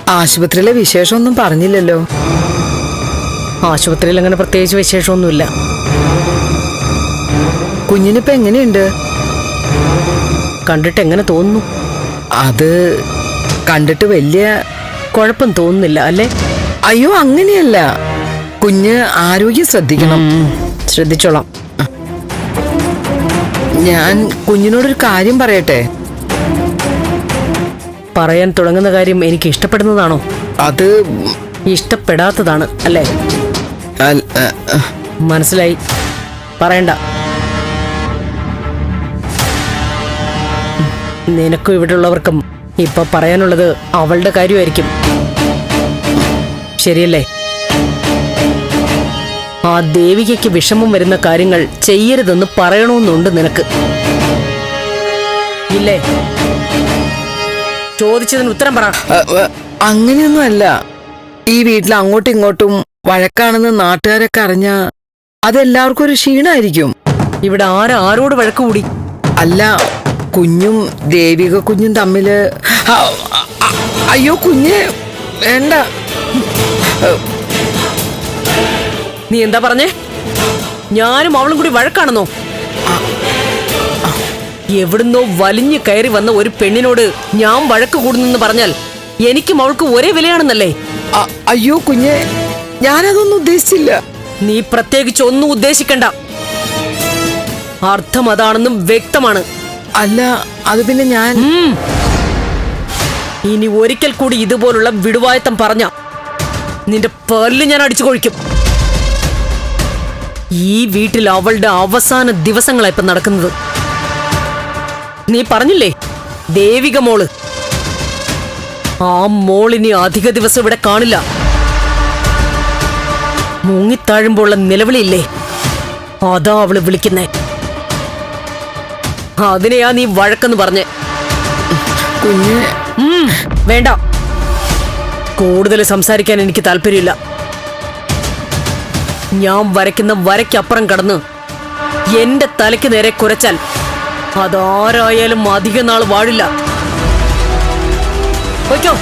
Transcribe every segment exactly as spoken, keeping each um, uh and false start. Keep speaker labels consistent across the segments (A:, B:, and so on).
A: ആശുപത്രിയിലെ വിശേഷമൊന്നും പറഞ്ഞില്ലല്ലോ.
B: ആശുപത്രിയിൽ അങ്ങനെ പ്രത്യേകിച്ച് വിശേഷമൊന്നുമില്ല.
A: കുഞ്ഞിനിപ്പോ എങ്ങനെയുണ്ട്?
B: കണ്ടിട്ട് എങ്ങനെ തോന്നുന്നു?
A: അത് കണ്ടിട്ട് വലിയ
B: കുഴപ്പം തോന്നുന്നില്ല അല്ലേ?
A: അയ്യോ അങ്ങനെയല്ല, കുഞ്ഞ് ആരോഗ്യം ശ്രദ്ധിക്കണം.
B: ശ്രദ്ധിച്ചോളാം.
A: ഞാൻ കുഞ്ഞിനോടൊരു കാര്യം പറയട്ടെ?
B: പറയാൻ തുടങ്ങുന്ന കാര്യം എനിക്ക് ഇഷ്ടപ്പെടുന്നതാണോ?
A: അത്
B: ഇഷ്ടപ്പെടാത്തതാണ് അല്ലേ? മനസ്സിലായി, പറയണ്ട. നിനക്കും ഇവിടെ ഉള്ളവർക്കും ഇപ്പൊ പറയാനുള്ളത് അവളുടെ കാര്യമായിരിക്കും, ശരിയല്ലേ? ആ ദേവികയ്ക്ക് വിഷമം വരുന്ന കാര്യങ്ങൾ ചെയ്യരുതെന്ന് പറയണമെന്നുണ്ട് നിനക്ക്, ഇല്ലേ? ചോദിച്ചതിന് ഉത്തരം പറ.
A: അങ്ങനെയൊന്നും അല്ല. ഈ വീട്ടിൽ അങ്ങോട്ടും ഇങ്ങോട്ടും വഴക്കാണെന്ന് നാട്ടുകാരൊക്കെ അറിഞ്ഞ അതെല്ലാവർക്കും ഒരു ക്ഷീണായിരിക്കും.
B: ഇവിടെ ആരാ ആരോട് വഴക്ക് കൂടി?
A: അല്ല, കുഞ്ഞും ദേവിക കുഞ്ഞും തമ്മില്. അയ്യോ കുഞ്ഞ് വേണ്ട.
B: നീ എന്താ പറഞ്ഞേ? ഞാനും അവളും കൂടി വഴക്കാണെന്നോ? എവിടുന്നോ വലിഞ്ഞു കയറി വന്ന ഒരു പെണ്ണിനോട് ഞാൻ വഴക്ക് കൂടുന്നെന്ന് പറഞ്ഞാൽ എനിക്കും അവൾക്ക് ഒരേ വിലയാണെന്നല്ലേ?
A: അയ്യോ കുഞ്ഞ്, ഞാനതൊന്നും ഉദ്ദേശിച്ചില്ല.
B: നീ പ്രത്യേകിച്ച് ഒന്നും ഉദ്ദേശിക്കണ്ട. അർത്ഥം അതാണെന്നും വ്യക്തമാണ്.
A: അല്ല, അത് പിന്നെ ഞാൻ
B: ഇനി ഒരിക്കൽ കൂടി ഇതുപോലുള്ള വിടുവായത്തം പറഞ്ഞ നിന്റെ പേരിൽ ഞാൻ അടിച്ചു കൊഴിക്കും. ഈ വീട്ടിൽ അവളുടെ അവസാന ദിവസങ്ങളായി ഇപ്പൊ നടക്കുന്നത്. നീ പറഞ്ഞില്ലേ ദേവിക മോള്, ആ മോളിനി അധിക ദിവസം ഇവിടെ കാണില്ല. മുങ്ങിത്താഴുമ്പോഴുള്ള നിലവിളിയില്ലേ, അതാ അവള് വിളിക്കുന്നേ. അതിനെയാ നീ വഴക്കെന്ന് പറഞ്ഞേ.
A: കുഞ്ഞ്
B: വേണ്ട, കൂടുതൽ സംസാരിക്കാൻ എനിക്ക് താല്പര്യമില്ല. ഞാൻ വരയ്ക്കുന്ന വരയ്ക്കപ്പുറം കടന്ന് എന്റെ തലയ്ക്ക് നേരെ കുരച്ചാൽ അതാരായാലും അധിക നാൾ വാഴില്ല. ഓക്കോ?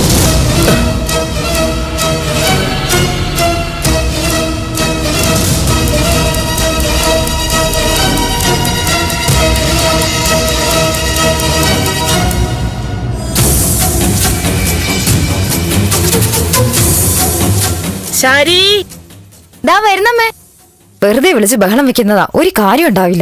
B: ശരി,
C: ദാ വരുന്നമ്മേ. വെറുതെ വിളിച്ച് ബഹളം വെക്കുന്നതാ, ഒരു കാര്യം ഉണ്ടാവില്ല.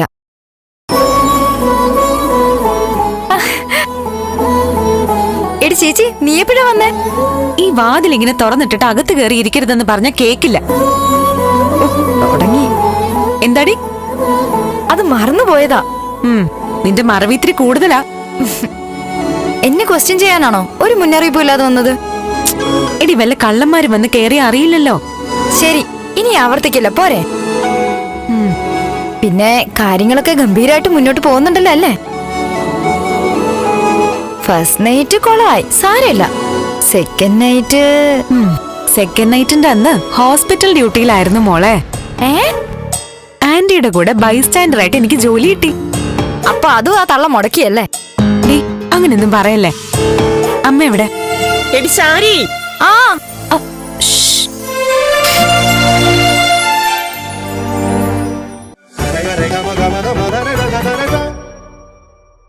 C: എടി ചേച്ചി, നീ എപ്പോഴാ വന്നേ?
D: ഈ വാതിൽ ഇങ്ങനെ തുറന്നിട്ടിട്ട് അകത്ത് കയറി ഇരിക്കരുതെന്ന് പറഞ്ഞ കേക്കില്ല.
C: തുടങ്ങി.
D: എന്താടി?
C: അത് മറന്നുപോയതാ.
D: നിന്റെ മറവിത്തിരി കൂടുതലാ.
C: എന്നെ ക്വസ്റ്റ്യൻ ചെയ്യാനാണോ ഒരു മുന്നറിയിപ്പും ഇല്ലാതെ വന്നത്?
D: എടി, വല്ല കള്ളന്മാര് വന്ന് കയറി അറിയില്ലല്ലോ.
C: ശരി, ഇനി ആവർത്തിക്കില്ല, പോരെ? പിന്നെ കാര്യങ്ങളൊക്കെ ഗംഭീരമായിട്ട് മുന്നോട്ട് പോകുന്നുണ്ടല്ലോ അല്ലേ? ഫസ്റ്റ് നൈറ്റ് കൊളായി, സാരമില്ല. സെക്കൻഡ് നൈറ്റ്
D: സെക്കൻഡ് നൈറ്റിന്റെ അന്ന് ഹോസ്പിറ്റൽ ഡ്യൂട്ടിയിലായിരുന്നു മോളെ.
C: ഏ
D: ആന്റിയുടെ കൂടെ ബൈസ്റ്റാൻഡർ ആയിട്ട് എനിക്ക് ജോലി കിട്ടി.
C: അപ്പൊ അതും ആ തള്ള മുടക്കിയല്ലേ?
D: അങ്ങനെയൊന്നും പറയല്ലേ. അമ്മ എവിടെ?
B: എടി ശാരി.
C: ആ